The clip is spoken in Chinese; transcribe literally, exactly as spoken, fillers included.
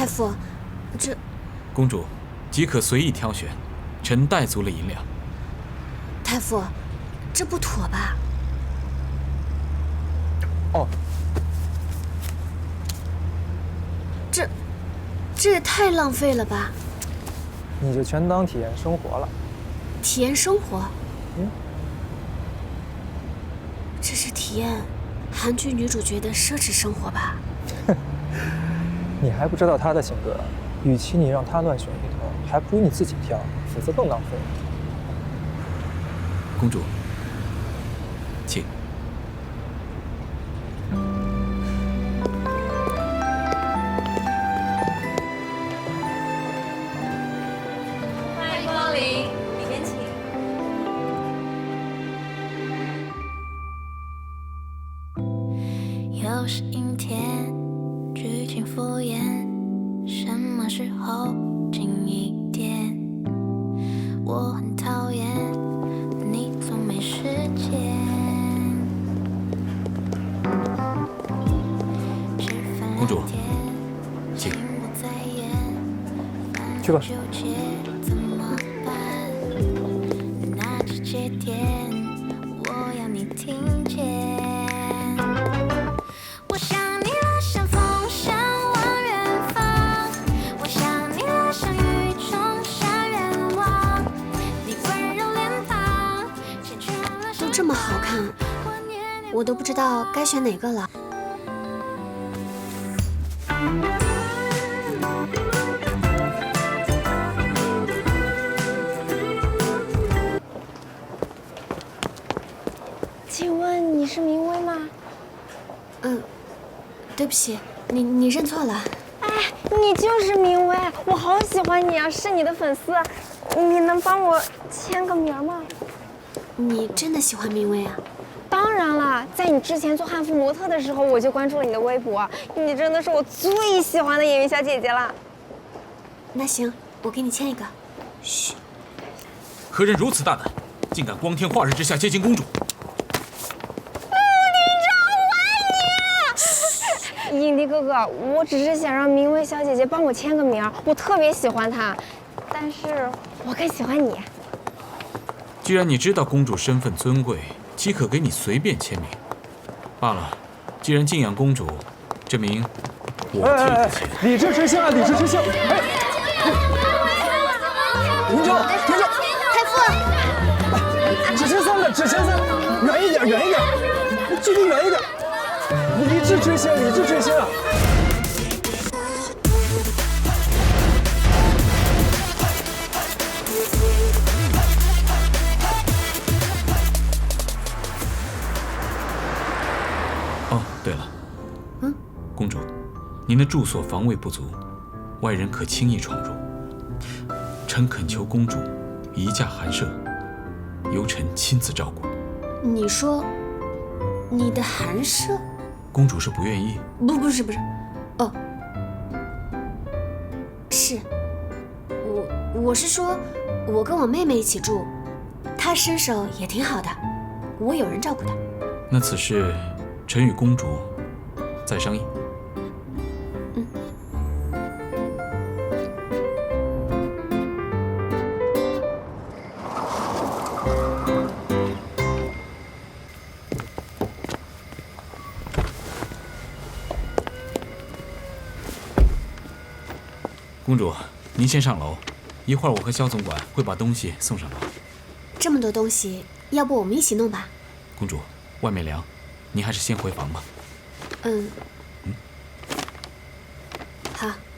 太傅，这…… 公主，即可随意挑选，臣带足了银两。 太傅，这不妥吧？ 哦， 这，这也太浪费了吧！ 你就全当体验生活了。 体验生活？ 嗯， 这是体验韩剧女主角的奢侈生活吧？ 你还不知道她的性格，与其你让她乱选一通，还不如你自己挑，否则更浪费。 公主，请。 欢迎光临，里面请。 又是阴天，剧情敷衍，什么时候近一点？我很讨厌你总没时间。 公主，请。 去吧。 怎么办？那直接点，我要你听见。我想你了，像风向往远方。我想你了，像雨中下愿望。你温柔脸庞， 都这么好看，我都不知道该选哪个了。 请问你是明薇吗？ 嗯，对不起，你你认错了。 哎，你就是明薇，我好喜欢你啊，是你的粉丝。你能帮我签个名吗？ 你真的喜欢明薇啊？ 当然了，在你之前做汉服模特的时候，我就关注了你的微博。你真的是我最喜欢的演员小姐姐了。 那行，我给你签一个。嘘。 何人如此大胆，竟敢光天化日之下接近公主？ 影帝哥哥，我只是想让明薇小姐姐帮我签个名，我特别喜欢她，但是我更喜欢你。 既然你知道公主身份尊贵，岂可给你随便签名？罢了，既然敬仰公主，这名我替你签。 理智之下，理智之下。哎，停手，停手！ 太傅， 只签三个，只签三个，远一点，远一点，距离远一点。理智之心，理智之心啊！ 哦，对了， 嗯， 公主，您的住所防卫不足，外人可轻易闯入。臣恳求公主移驾寒舍，由臣亲自照顾。 你说你的寒舍？ 公主是不愿意？ 不，不是，不是，哦，是，我我是说，我跟我妹妹一起住，她身手也挺好的，我有人照顾她。 那此事，臣与公主再商议。 嗯。 公主，您先上楼，一会儿我和肖总管会把东西送上楼。 这么多东西，要不我们一起弄吧？ 公主，外面凉，您还是先回房吧。 嗯。 嗯。 好。